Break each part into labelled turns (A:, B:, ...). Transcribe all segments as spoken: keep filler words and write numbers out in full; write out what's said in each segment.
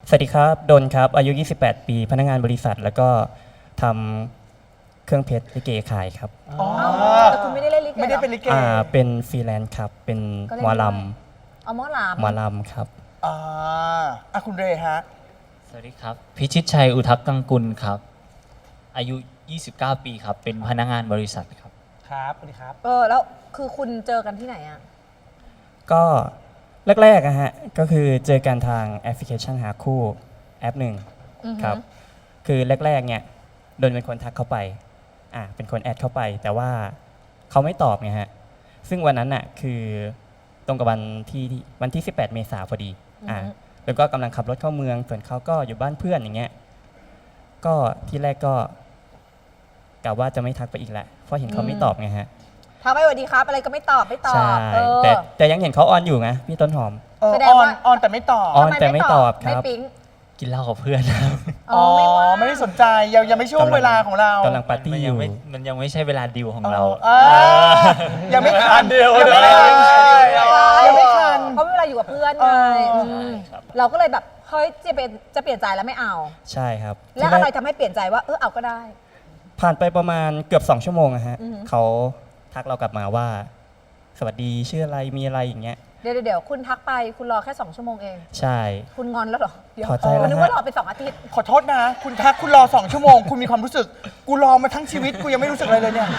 A: สวัสดีครับดนครับอายุยี่สิบแปดปีพนักงานบริษัทแล้วก็ทำเครื่องเพชรลิเกขายครับ
B: อ๋อ
C: แต่คุณไม่ได้เล่นลิเก
B: ไม่ได้
C: หรอ
B: เป็นลิเก
A: อ่าเป็นฟรีแลนซ์ครับเป็น
C: ก็เล่น
A: หมอล
C: ด้วย เอาหมอล
A: ำหมอลำครับ
B: อ่าอ่ะคุณเรย์ฮะ
D: สวัสดีครับ พิชิตชัยอุทักกังกุลครับ อายุ ยี่สิบเก้า ปีครับ เป็นพนักงานบริษัทครับ
B: ครับสวัสดีครับ
C: ำเออแล้วคือคุณเจอกันที่ไหนอ่ะ
A: ก็แรกๆอะฮะก็คือเจอกันทางแอปพลิเคชันหาคู่แอปหนึ่ง
C: อือฮึ
A: ครับคือแรกๆเนี่ยโดนเป็นคนทักเข้าไปอ่าเป็นคนแอดเข้าไป แต่ว่าเขาไม่ตอบไงฮะซึ่งวันนั้นน่ะคือตรงกับวันที่ที่วันที่สิบแปดเมษายนพอดีอ่าแล้วก็กำลังขับรถเข้าเมืองส่วนเขาก็อยู่บ้านเพื่อนอย่างเงี้ยก็ที่แรกก็กะว่าจะไม่ทักไปอีกแหละเพราะเห็นเขาไม่ตอบไงฮะ
C: ทักไปสวัสดีครับ อะไรก็ไม่ตอบไม่ตอ
A: ใช่
C: บเออ
A: แต่แต่ยังเห็นเขาออนอยู่นะพี่ต้นหอม
B: เออ
C: แสดง
B: ออน
C: ว่า
B: ออนแต่ไม่ตอบ
A: ออน
C: ทำ
A: แต่ไม่ตอบครับ
C: ไม่ปิ๊ง
D: กินเหล้ากับเพื่อนครับ
C: อ๋อไม่ว่า
B: ไม่ได้สนใจยังยังไม่ช่วง
A: กำลัง
B: เวลาของเรา
A: กำลังปาร์ตี้
D: มัน
A: อ
D: ยัง
A: ยู่
D: ไม่มันยังไม่ใช่เวลาดิวของเรา
B: เออยังไม่ทัน
D: เดียว
B: ยังไม่ทัน
D: ใช่
B: ยังไม่ทัน
C: เพราะเวลาอยู่กับเพื่อน
B: เอ
C: ไง
B: อ
C: ม
D: ครับ
C: เราก็เลยแบบเฮ้ยจะเปลี่ยนจะเปลี่ยนใจแล้วไม่เอา
A: ใช่ครับ
C: แล้ว
A: ที่
C: อะไร
A: แรก
C: ทำให้เปลี่ยนใจว่าเออเอาก็ได้
A: ผ่านไปประมาณเกือบสองชั่วโมงอะฮะ
C: อือหือ
A: เขาทักเรากลับมาว่า สวัสดีชื่ออะไรมีอะไรอย่างเงี้ย
C: เดี๋ยวเดี๋ยวเดี๋ยวคุณทักไปคุณรอแค่สองชั่วโมงเอง
A: ใช่
C: คุณงอนแล้วเหรอเดี๋ยว
A: พอใจแล้ว
C: นึก
A: ฮะ
C: ว่ารอไปสองอาทิตย์
B: ขอโทษนะ คุณทักคุณรอสองชั่วโมง คุณมีความรู้สึก กูรอมาทั้งชีวิตกูยังไม่รู้สึกอะไรเลยเนี่ย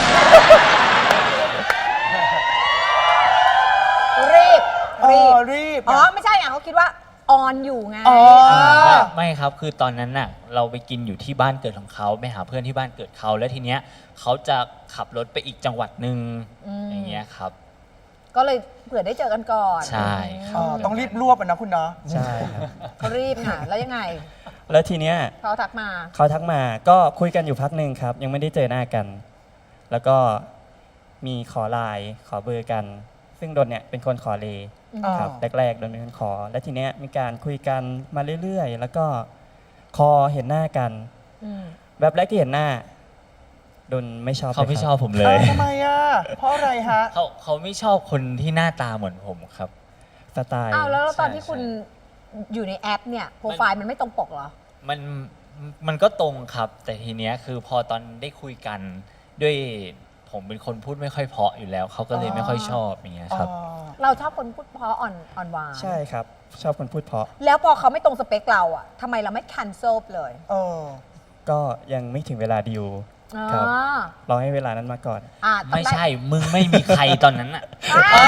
C: รีบ
B: เอ
C: รี
B: อบ รีบ
C: อ๋อไม่ใช่อ่ะเขาคิดว่าออนอยู่ไง
B: อ๋อ
D: ไม่ไม่ครับ คือตอนนั้นน่ะ เราไปกินอยู่ที่บ้านเกิดของเขาไปหาเพื่อนที่บ้านเกิดเขา แล้วทีเนี้ยเขาจะขับรถไปอีกจังหวัดหนึ่ง
C: อืม
D: อย่างเงี้ยครับ
C: ก็เลยเผื่อได้เจอกันก่อน
D: ใช่ค
B: เอ
D: รับ
B: อต้องรีบรวบอะนะคุณเนาะ
A: ใช่ครับ
C: เขารีบค่ะแล้วยังไง
A: แล้วทีเนี้ย
C: เขาทักมา
A: เขาทักมาก็คุยกันอยู่พักหนึ่งครับ ยังไม่ได้เจอหน้ากัน แล้วก็มีขอไลน์ขอเบอร์กัน ซึ่งดนเนี่ยเป็นคนขอเล
C: อืม
A: ครับ
B: อ๋อ
A: แรกๆดนเป็นคนขอ แล้วทีเนี้ยมีการคุยกันมาเรื่อยๆ แล้วก็คอเห็นหน้ากัน
C: อืม
A: แบบแรกที่เห็นหน้าดนไม่ชอบ
D: เขาไม่
A: ลย
D: ช
A: ค
D: อ
A: รั
D: บผมเล
B: เอ้าย ทำไมอ่ะ เพราะอะไรฮะ
D: เขาเขาไม่ชอบคนที่หน้าตาเหมือนผมครับ
A: สไตล์
C: อ้าวแล้วตอนที่
D: ใช่
C: คุณอยู่ในแอปเนี่ยโปรไฟล์มันไม่ตรงปกเหรอ
D: มันมันก็ตรงครับ แต่ทีเนี้ยคือพอตอนได้คุยกันด้วยผมเป็นคนพูดไม่ค่อยเพราะอยู่แล้ว เขาก็เลยไม่ค่อยชอบอย่างเงี้ยครับ
B: อ๋อ
C: เราชอบคนพูดเพราะอ่อนอ่อนหวาน
A: ใช่ครับ ชอบคนพูดเพราะ
C: แล้วพอเขาไม่ตรงสเปคเราอะทำไมเราไม่ cancel เลย
B: เออ
A: ก็ยังไม่ถึงเวลาดิว ครับ
C: อ่าร
A: อให้เวลานั้นมาก่อน
C: อ่าต้อง
D: ไม่
C: ด้
D: ใช่ มึงไม่มีใครตอนนั้นอ่ะ
C: อ่า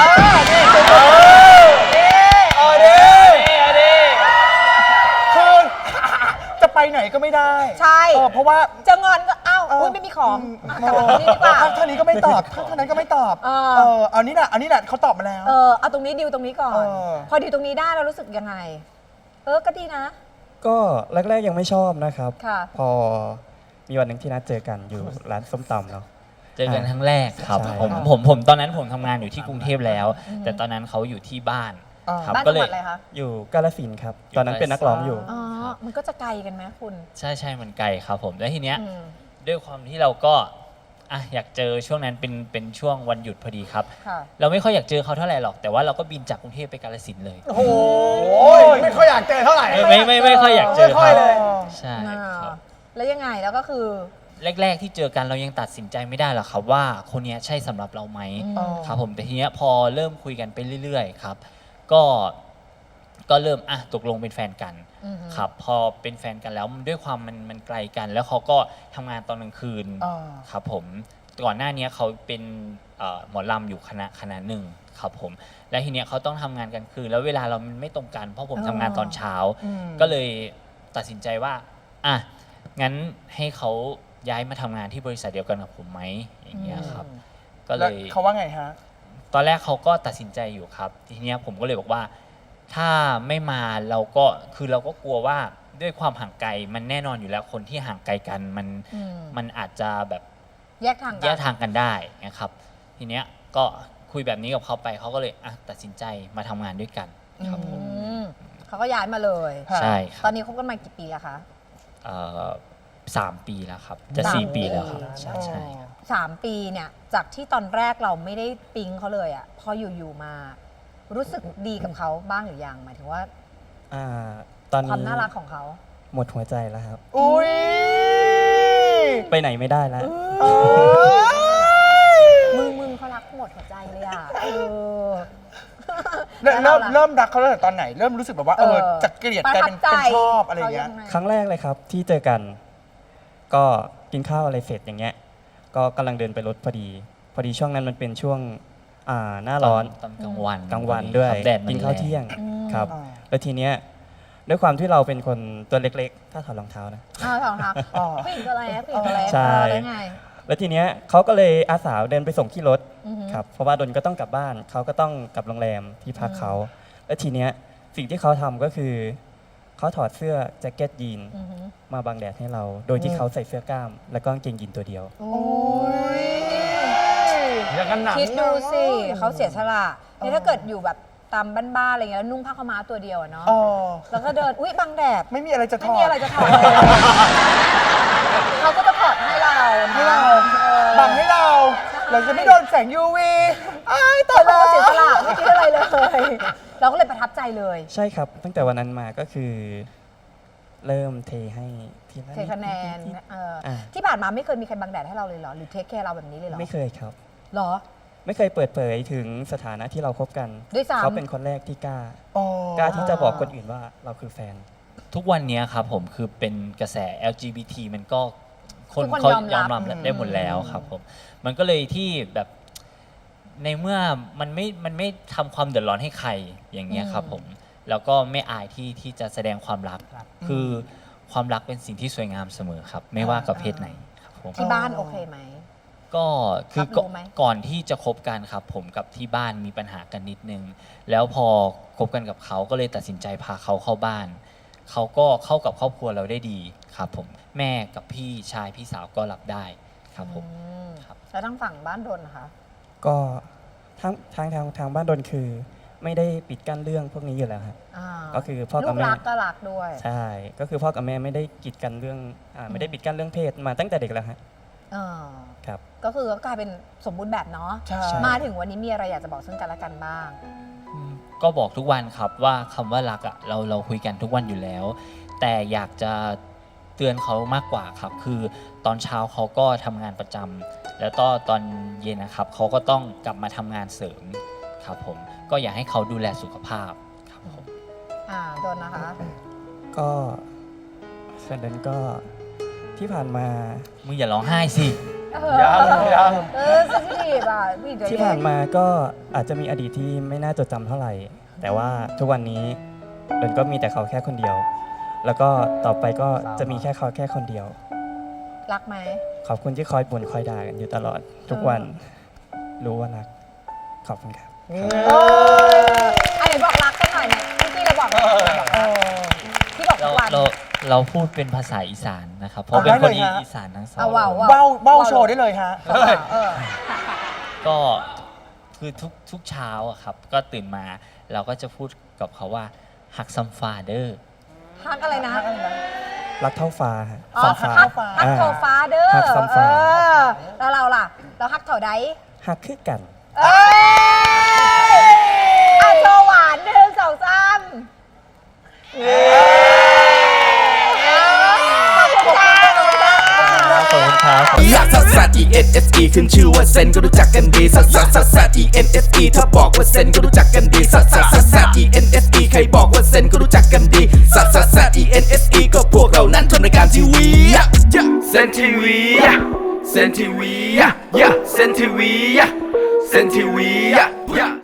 B: เออเด้คือจะไปไหนก็ไม่ได้
C: ใช่
B: เออเพราะว่า
C: จะงอนก็อ้าว
B: เออ
C: อุ้ยไม่มีของ
B: ม
C: อ่ะกลับมาตรงนี้ดีกว่า
B: ท่านนี้ก็ไม่ตอบท่านนั้นก็ไม่ตอบ
C: เออ
B: เออเอานี่แหละเอานี่แหละเขาตอบมาแล้ว
C: เออเอาตรงนี้ดิวตรงนี้ก่อน
B: เออ
C: พอดิวตรงนี้ได้เรารู้สึกยังไง เออก็ดีนะ
A: ก็แรกๆยังไม่ชอบนะครับ
C: ค่ะ
A: พอมีวันหนึ่งที่นัดเจอกันอยู่ร้านส้มตำเนาะ
D: เจอกันครั้งแรกครับ
A: ใช่
D: ผมผมผมตอนนั้นผมทำงานอยู่ที่กรุงเทพแล้ว แต่ตอนนั้นเขาอยู่ที่บ้าน
B: อ่า
D: ครับ
C: บ้าน
D: ก็
C: จัง
D: เล
C: หวั
D: ย
C: ดอะไรคะ
A: อยู่กาฬสินธุ์ครับ ตอนนั้นเป็นนักร้องอยู่
C: อ๋อ มันก็จะไกลกันไหมคุณ
D: ใช่ใช่มันไกลครับผมแล้วทีเนี้ย
C: อืม
D: ด้วยความที่เราก็อ่ะอยากเจอช่วงนั้นเป็นเป็นช่วงวันหยุดพอดีครับ
C: ค่ะ
D: เราไม่ค่อยอยากเจอเขาเท่าไหร่หรอกแต่ว่าเราก็บินจากกรุงเทพไปกาฬสินธุ์เลย
B: โอ้โหไม่ค่อยอยากเจอเท่าไหร่
D: ไม่ไม่ไม่ไม่ค่อยอยากเจอ
B: ไม่ค่อยเลย
D: ใช่ครับ
C: แล้วยังไงแล้วก็คือ
D: แรก ๆ ที่เจอกันเรายังตัดสินใจไม่ได้หรอกครับว่าคนเนี้ยใช่สำหรับเราไหม
C: อืม
D: ครับผมแต่ทีเนี้ยพอเริ่มคุยกันไปเรื่อยๆครับก็ก็เริ่มอ่ะตกลงเป็นแฟนกัน
C: อือฮึ
D: ครับพอเป็นแฟนกันแล้วด้วยความมันมันไกลกัน แล้วเขาก็ทำงานตอนกลางคืน
B: อ่า
D: ครับผมก่อนหน้านี้เขาเป็นเอ่อหมอลำอยู่คณะคณะหนึ่งครับผมและทีเนี้ยเขาต้องทำงานกลางคืนแล้วเวลาเรามันไม่ตรงกันเพราะผมทำงานตอนเช้า
B: อืม
D: ก็เลยตัดสินใจว่าอ่ะงั้นให้เขาย้ายมาทำงานที่บริษัทเดียวกันกับผมไหมอย่างเงี้ยครับ ก็เล
B: แล้ว
D: ย
B: เขาว่าไงฮะ
D: ตอนแรกเขาก็ตัดสินใจอยู่ครับ ทีเนี้ยผมก็เลยบอกว่า ถ้าไม่มาเราก็คือเราก็กลัวว่าด้วยความห่างไกลมันแน่นอนอยู่แล้วคนที่ห่างไกลกันมัน
C: อืม
D: มันอาจจะแบบ
C: แยกทางกั
D: แยกทางกันได้นะครับ ทีเนี้ยก็คุยแบบนี้กับเขาไปเขาก็เลยอ่ะตัดสินใจมาทำงานด้วยกันครับผ
C: อื
D: ม
C: มเขาก็ย้ายมาเลย
B: ค่ะ
D: ใช่ค
C: ตอ
D: รั
C: น
D: บ
C: นี้คบกันมากี่ปีแล้วคะ
D: เอ่อสามปีแล้วครับ จะ
C: สาม
D: สี่ปีแล้วครับ
C: ปี
D: ใช่ใช่ครับ
C: สามปีเนี่ยจากที่ตอนแรกเราไม่ได้ปิ๊งเขาเลยอะพออยู่ๆมา รู้สึกดีกับเขาบ้างหรือยังหมายถึงว่า
A: อ่าตอนนี้
C: ความน่ารักของเขา
A: หมดหัวใจแล้วครับ
B: อุ้ย
A: ไปไหนไม่ได้แล้ว
B: เอ้ย
C: มึงมึงเขารักหมดหัวใจเลยอ่ะเออ
B: เริ่ม
C: แล้
B: เริ่
C: ว
B: ม
C: ล่ะ
B: เริ่มรักเขาตั้งแต่ตอนไหน เริ่มรู้สึกแบบว่าเออจากเกลียดกลายเป็น
C: ประทับใจ
B: เป็นชอบอะไรอย่างเงี้ย
C: ขา
A: ครั้งแรกเลยครับที่เจอกัน ก็กินข้าวอะไรเสร็จอย่างเงี้ย ก็กำลังเดินไปรถพอดี พอดีช่วงนั้นมันเป็นช่วงอ่าหน้าร้อน
D: ตอนกลางวัน
A: กลางวันด้วย
D: ครับแดดมั
A: กินข้าวเที่ยง
C: อืม
A: ครับ
B: อ่า
A: แล้วทีเนี้ยด้วยความที่เราเป็นคนตัวเล็กๆ ถ้าถอดรองเท้านะ
C: อ้าวเหรอคะ
B: อ๋อ
C: ผู้หญิงตัวเล็กผู้หญิงตัวเล็ก
A: ใช่
C: เออแล้วไง
A: แล้วทีเนี้ยเขาก็เลยอาสาเดินไปส่งที่รถ
C: อือหือ
A: ครับ เพราะว่าดนก็ต้องกลับบ้าน เขาก็ต้องกลับโรงแรมที่พักเขา แล้วทีเนี้ยสิ่งที่เขาทำก็คือเขาถอดเสื้อแจ็คเก็ตยีน
C: อือหือ
A: มาบังแดดให้เรา โดยที่
B: อืม
A: เขาใส่เสื้อกล้าม แล้วก็กางเกงยีนตัวเดียว
C: โอ้
B: โอ้
C: ย
B: ยอย่างกันหนัง
C: คิดดูสิ
B: อะ
C: เขาเสียสละนี่ถ้าเกิดอยู่แบบตามบ้านๆอะไรเงี้ยแล้วนุ่งผ้าขาวม้าตัวเดียวอะเนาะ
B: เออ
C: แล้วก็เดินอุ๊ยบังแดด
B: ไม่มีอะไรจะถ
C: ไม่
B: อด
C: มีอะไรจะถอดเลยเขาก็จะถอดให้เรานะ
B: ให้เรา
C: ออ
B: บังให้เรา เราจะไม่โดนแสง ยู วี อ้ายตาย
C: เขา
B: แล้
C: ก็
B: ว
C: เสียสละไม่คิดอะไรเลย เราก็เลยประทับใจเลย
A: ใช่ครับ ตั้งแต่วันนั้นมาก็คือ เริ่มเทให้ทีละ
C: เทคะแนน
A: นิด
C: เออ
A: อ่า
C: ที่ผ่านมาไม่เคยมีใครบังแดดให้เราเลยเหรอ หรือเทคแคร์เราแบบนี้เลยเหรอ
A: ไม่เคยครับ
C: เหรอ
A: ไม่เคยเปิดเผยถึงสถานะที่เราคบกัน
C: ด้วยซ้ำ
A: เขาเป็นคนแรกที่กล้า
B: อ๋อก
A: ล้าที่จะบอกคนอื่นว่าเราคือแฟน
D: ทุกวันเนี้ยครับผมคือเป็นกระแส แอล จี บี ที มันก็คน
C: ทุกคน
D: เขา
C: ยอมรับ
D: ยอมรับได้หมดแล้วครับผมมันก็เลยที่แบบในเมื่อมันไม่มันไม่ทำความเดือดร้อนให้ใครอย่างเงี้ยครับผมแล้วก็ไม่อายที่ที่จะแสดงความรัก คือความรักเป็นสิ่งที่สวยงามเสมอครับ ไม่ว่ากับเพศไหนครับผม
C: ที่บ้านโอเคไหม
D: ก็คือ
C: รับรู้ไหม
D: ก่อนที่จะคบกันครับ ผมกับที่บ้านมีปัญหากันนิดนึง แล้วพอคบกันกับเขาก็เลยตัดสินใจพาเขาเข้าบ้าน เขาก็เข้ากับครอบครัวเราได้ดีครับผมแม่กับพี่ชายพี่สาวก็รับได้ครับผม
C: อืม
D: ครับ
C: แล้วทางฝั่งบ้านดนนะคะ
A: ก็ทางทางทางทางบ้านดนคือ ไม่ได้ปิดกั้นเรื่องพวกนี้อยู่แล้วครับ
C: อ่า
A: ก็คือพ่อ
C: ลู
A: กับ
C: ก
A: แม่
C: รักก็รักด้วย
A: ใช่ ก็คือพ่อกับแม่ไม่ได้กีดกันเรื่องอ่าไม่ได้ปิดกั้นเรื่องเพศมาตั้งแต่เด็กแล้วฮะ
C: เออ
A: ครับ
C: ก็คือก็กลายเป็นสมบูรณ์แบบเนาะ
B: ใช่
C: มาถึงวันนี้มีอะไรอยากจะบอกซึ่งกันและกันบ้าง
D: อืมก็บอกทุกวันครับว่าคำว่ารักอะเราเราคุยกันทุกวันอยู่แล้ว แต่อยากจะเตือนเขามากกว่าครับ คือตอนเช้าเขาก็ทำงานประจำแล้วก็ตอนเย็นนะครับเขาก็ต้องกลับมาทำงานเสริมครับผมก็อยากให้เขาดูแลสุขภาพครับผม
C: อ่าดนนะคะ
A: ก็ส่วนนั้นก็ที่ผ่านมา
D: มึงอย่าร้องไห้สิ
B: ยังยัง
C: เออเซนซิทีฟอ่ะผู้หญิงตัว
A: ที่
C: เล็
A: ผ่าก นมาก็อาจจะมีอดีตที่ไม่น่าจดจำเท่าไหร่ แต่ว่าทุกวันนี้เดินก็มีแต่เขาแค่คนเดียว แล้วก็ต่อไปก็จะมีแค่เขาแค่คนเดียว
C: รักไหม
A: ขอบคุณที่คอยบ่นคอยด่ากันอยู่ตลอด ทุกวันรู้ว่ารัก ขอบคุณครับ
C: เอออันไหนบอกรักกันหน่อยเนี่ยเมื่อกี้เราบอกรักบอก
B: เอ
C: รัก
B: อ
C: ที่บอกทุ
D: เรา
C: กวัน
D: เราเราพูดเป็นภาษาอีสานนะครับ เพราะเป็นคน
B: ได้เลยฮะ
D: อีสานทั้งสอง
C: เอาว่าว
B: เบ้าเบ้าโชว์ได้เลยฮะ
C: เออเออ
D: ก็คือทุกทุกเช้าอะครับ ก็ตื่นมาเราก็จะพูดกับเขาว่าหักซัมฟาเดอร์
C: ฮักอะไรนะ
A: รักเท่าฟ้าฮะ
C: อ๋อ
A: ฟ้า
C: ฮัก
B: ฟ้า
C: ฮักโทฟ้าเด้อ
A: ฮักซ้ำ
C: เอ
A: ฟ้า
C: อแล้วเราล่ะ เราฮักเท่าใด
A: หักคือกัน
C: เอ้ยอ่ะโชว์หวานหนึ่งสองสามขอบคุณค่ะขอบคุณค่ะ
A: ขอบคุณครับ
E: ลักซัสซัส E N S E ขึ้นชื่อว่าเซนก็รู้จักกันดีซัสซัสซัสซัส E N S E ถ้าบอกว่าเซนก็รู้จักกันดีซัสซัสซัสซัส E N S E ใครบอกว่าเซนก็รู้จักกันดีซัสซัสซัส E N S E ก็พวกเรานั้นทำรายการทีวีเซนทีวีเซนทีวีเซนทีวีเซนทีวี